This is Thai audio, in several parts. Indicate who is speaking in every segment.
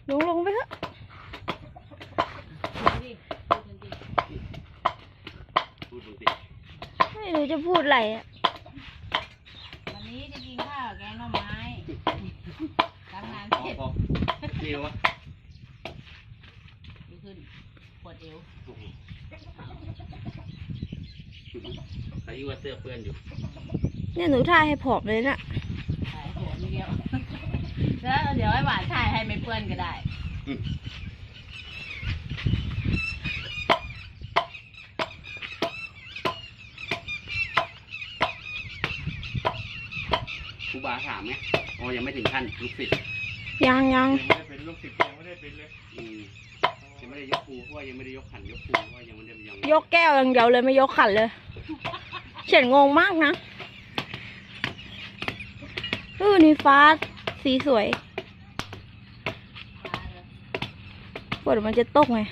Speaker 1: ลงไปเถอะไม่รู้จะพูดอะไรอ่ะ
Speaker 2: วันนี้จะกินข้าวแกงหน่อไม้ทำงานเสร็จ
Speaker 3: เดียวอะ
Speaker 2: ดีขึ้นปวดเอว
Speaker 3: ใส่ยูว่าเสื้อเปื้อนอยู่
Speaker 1: เนี่ยหนูถ่ายให้ผอมเลยน่ะ
Speaker 2: ถ่ายหัวไม่เดียวแล้วเดี๋ยวให้หวานถ่ายให้ไม่เปื้อนก็ได้
Speaker 3: ครูบาถามไหมอ๋อยังไม่ถึงขั้นลูกศิษย์
Speaker 1: ยัง
Speaker 4: ไม่ได้เป็นลูกศิษย์ยังไม่ได้เป็นเลย
Speaker 3: ยังไม่ได้ยกครูเพราะว่ายังไม่ได้ยกขันยกครูเพราะว่ายังไม่ได้
Speaker 1: ยกแก้วอย่างเดียวเลยไม่ยกขันเลยเฉียนงงมากนะนี่ฟ้าสีสวยฝนมันจะตกไง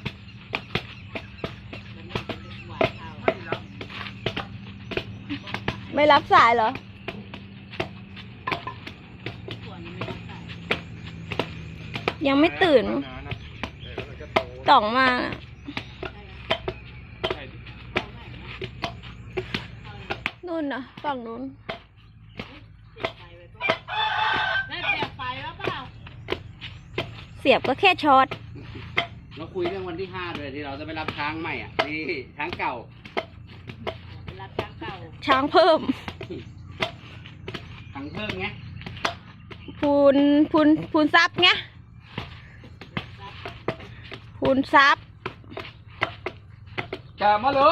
Speaker 1: ไม่รับสายเหรอยังไม่ตื่นต่องมานู่นนะฝั่งนู้นเสียบก็แค่ช็อต
Speaker 3: เราคุยเรื่องวันที่5เลยที่เราจะไปรับช้างใหม่อ่ะนี่ช้างเก่า
Speaker 2: รับช้างเก่า
Speaker 1: ช้างเพิ่ม
Speaker 3: ช้างเพิ่มไง
Speaker 1: พูนซับไงพูนซับ
Speaker 3: จับมาเลย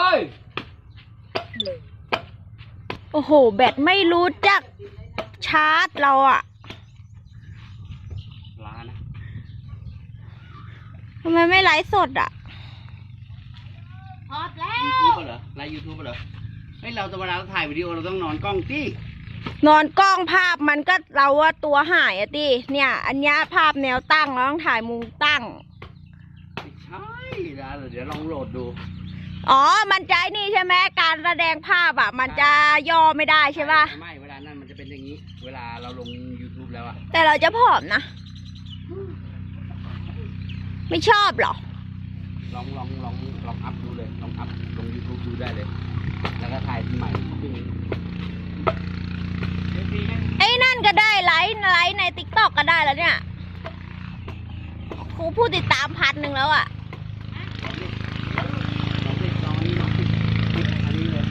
Speaker 1: โอ้โหแบตไม่รู้จักชาร์จเราอะ
Speaker 3: ล้านะ
Speaker 1: ทำไมไม่ไลฟ์สดอะ
Speaker 2: พอดแล้ว
Speaker 3: ยูทูบเหรอไลฟ์ยูทูบเหรอเฮ้ยเราจะเวลาเราถ่ายวิดีโอเราต้องนอนกล้องที่
Speaker 1: นอนกล้องภาพมันก็เราว่าตัวหายอะดิเนี่ยอันนี้ภาพแนวตั้งเราต้องถ่ายมุมตั้ง
Speaker 3: ไม่ใช่นะเดี๋ยวลองโหลดดู
Speaker 1: อ๋อมันใจนี่ใช่ไหมการแสดงภาพอะมันจะย่อไม่ได้ใช่ป่ะ
Speaker 3: ไม่เวลานั้นมันจะเป็นอย่างนี้เวลาเราลง YouTube แล้วอะ
Speaker 1: แต่เราจะผอมนะไม่ชอบหรอ
Speaker 3: ลองอัพดูเลยลองอัพลง YouTube ดูได้เลยแล้วก็ถ่ายใหม่ขึ้น
Speaker 1: ไอ้นั่นก็ได้ไลฟ์ในติ๊กต็อกก็ได้แล้วเนี่ยครูผู้ติดตาม1,000แล้วอะ